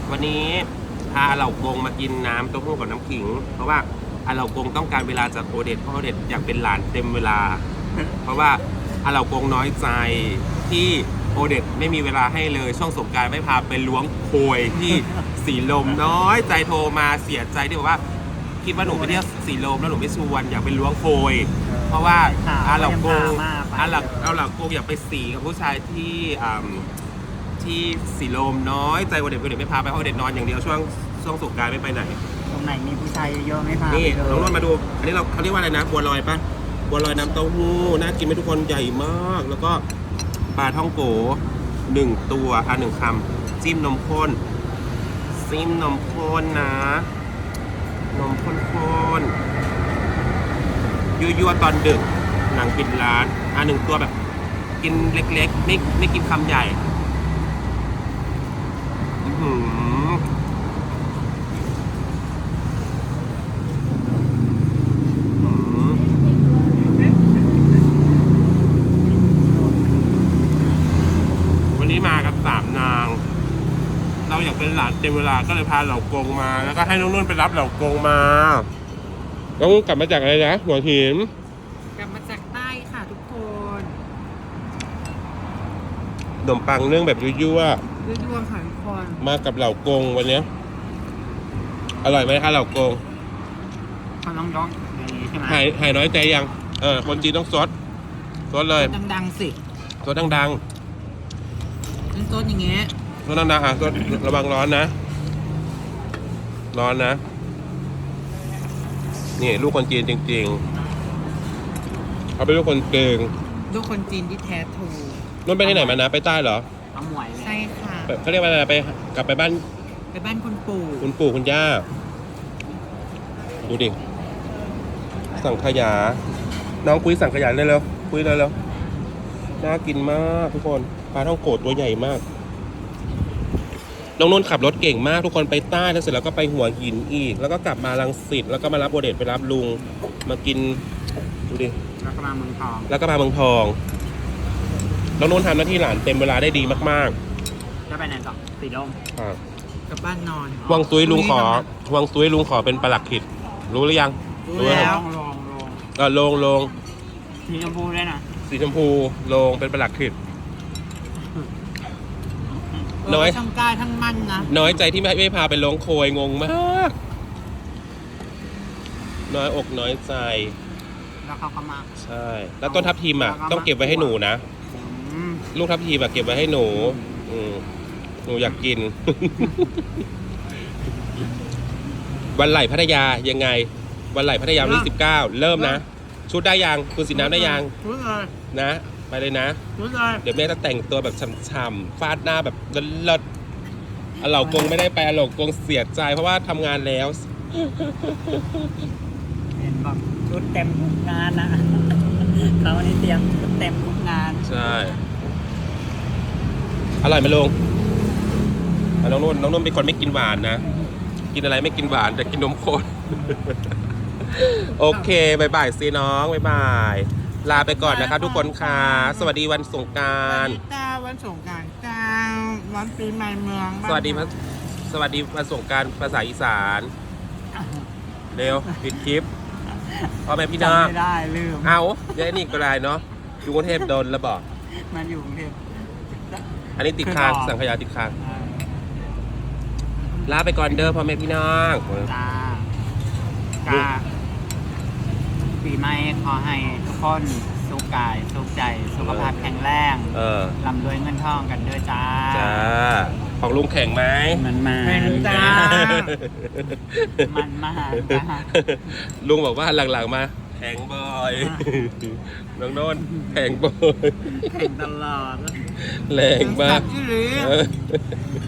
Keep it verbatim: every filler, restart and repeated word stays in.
วันนี้พาเหล่ากงมากินน้ำเต้าหู้กับน้ำขิงเพราะว่าอาเหล่ากงต้องการเวลาจากโอเดตเพราะโอเดตอยากเป็นหลานเต็มเวลา เพราะว่าอาเหล่ากงน้อยใจที่โอเดตไม่มีเวลาให้เลยช่วงสงกรานต์ไม่พาไปล้วงโคยที่สีลมน้อยใจโทรมาเสียใจที่บอกว่าคิดว่าหนูไปเที่ยวสีลมแล้วหนูไม่ชวนอยากไปล้วงโคยเพราะว่าอาเหล่ากงอาเหล่าอาเหล่ากงอยากไปสีกับผู้ชายที่ที่สีลมน้อยใจโอเดตโอเดตไม่พาไปเพราะโอเดตนอนอย่างเดียวช่วงช่วงสงกรานต์ไม่ไปไหนตรงไหนมีผู้ชายเยอะไม่พานี่น้องนนท์มาดูอันนี้เราเขาเรียกว่าอะไรนะบัวลอยปะบัวลอยน้ำเต้าหู้น่ากินไหมทุกคนใหญ่มากแล้วก็ปลาท่องโกหนึ่งตัวอ่ะหนึ่งคำจิ้มนมข้นจิ้มนมข้นนะนมข้นๆยั่วๆตอนดึกหนังกินร้านอ่ะหนึ่งตัวแบบกินเล็กๆไม่ไม่กินคำใหญ่อือมากับสามนางเราอยากเป็นหลานเต็มเวลาก็เลยพาเหล่ากงมาแล้วก็ให้น้องนุ่นไปรับเหล่ากงมาน้องนุ่นกลับมาจากอะไรนะหัวหินกลับมาจากใต้ค่ะทุกคนขนมปังเนื่องแบบยั่วยั่วยั่วค่ะทุกคนมากับเหล่ากงวันนี้อร่อยไหมคะเหล่ากงเขาน้องร้องอย่างนี้ใช่ไหมหายหายน้อยใจยังเออคนจีนต้องซดซดเลยดังๆสิซดดังๆซดอย่างเงี้ยซดดังๆอ่ะซดระวังร้อนนะร้อนนะนี่ลูกคนจีนจริงๆเขาเป็นลูกคนเก่งลูกคนจีนที่แท้ทรูนุ่นไปที่ไหนมานะไปใต้เหรอเอาหมวยใช่ค่ะเขาเรียกว่าอะไรไปกลับไปบ้านไปบ้านคุณปู่คุณปู่คุณย่าดูดิสังขยาน้องคุยสังขยาเลยเร็วคุยเลยเร็วน่ากินมากทุกคนปลาท่องโกดตัวใหญ่มากน้องนุ่นขับรถเก่งมากทุกคนไปใต้แล้วเสร็จแล้วก็ไปหัวหินอีกแล้วก็กลับมารังสิตแล้วก็มารับโอเดตไปรับลุงมากินดูดิแล้วก็มาเมืองทองแล้วก็มาเมืองทองน้องนุ่นทำหน้าที่หลานเต็มเวลาได้ดีมากๆจะไปไหนต่อสีลมกลับบ้านนอนวังซุยลุงขอวังซุยลุงขอเป็นปลัดขิดรู้หรือยังรู้แล้วลงลงก็ลงลงสีชมพูด้วยนะสีชมพูลงเป็นปลัดขิดน้อยทั้งกายทั้งมันนะน้อยใจที่ไม่ไม่พาไปลงโคยงงมากน้อยอกน้อยใจแล้วเขาก็มาใช่แล้วต้นทับทิมอ่ะต้องเก็บไว้ให้หนูนะลูกทับทิมแบบเก็บไว้ให้หนูหนูอยากกิน วันไหลพัทยายังไงวันไหลพัทยาวันที่สิบเก้าเริ่มนะชุดได้ยังคุณสีน้ำได้ยังนะไปเลยนะเดี๋ยวแม่จะแต่งตัวแบบช่ำๆฟาดหน้าแบบเลิศๆอาเหล่ากงไม่ได้ไปอาเหล่ากงเสียใจเพราะว่าทำงานแล้วเห็นบอกชุดเต็มทุกงานนะเขาในเตรียมชุดเต็มทุกงานใช่อร่อยไหมลุงน้องนุ่นน้องนุ่นเป็นคนไม่กินหวานนะกินอะไรไม่กินหวานแต่กินนมข้นโอเคบายบายซีน้องบายบายลาไปก่อนนะครับทุกคนค่ะสวัสดีวันสงกรานต์จ้าวันสงกรานต์จ้าวันปีใหม่เมืองสวัสดีสวัสดีวันสงกรานต์ภาษาอีสานเร็วปิดคลิปพ่อแม่พี่น้องไม่ได้ลืมเอาเดี๋ยวนี่ก็ได้เนาะอยู่กรุงเทพโดนแล้วบอกมันอยู่กรุงเทพอันนี้ติดค้างสังขยาติดค้างลาไปก่อนเด้อพ่อแม่พี่น้องจ้าจ้าปีใหม่ขอให้ทุกคนสุขกายสุขใจสุขภาพแข็งแรงลำรวยเงินทองกันด้วยจ้าจ้าของลุงแข็งไหมมันมาจ้ามันมาจ้าลุงบอกว่าหลังๆมาแข็งบ่อยน้องโน่นแข็งบ่อยแข็งตลอดแรงมาก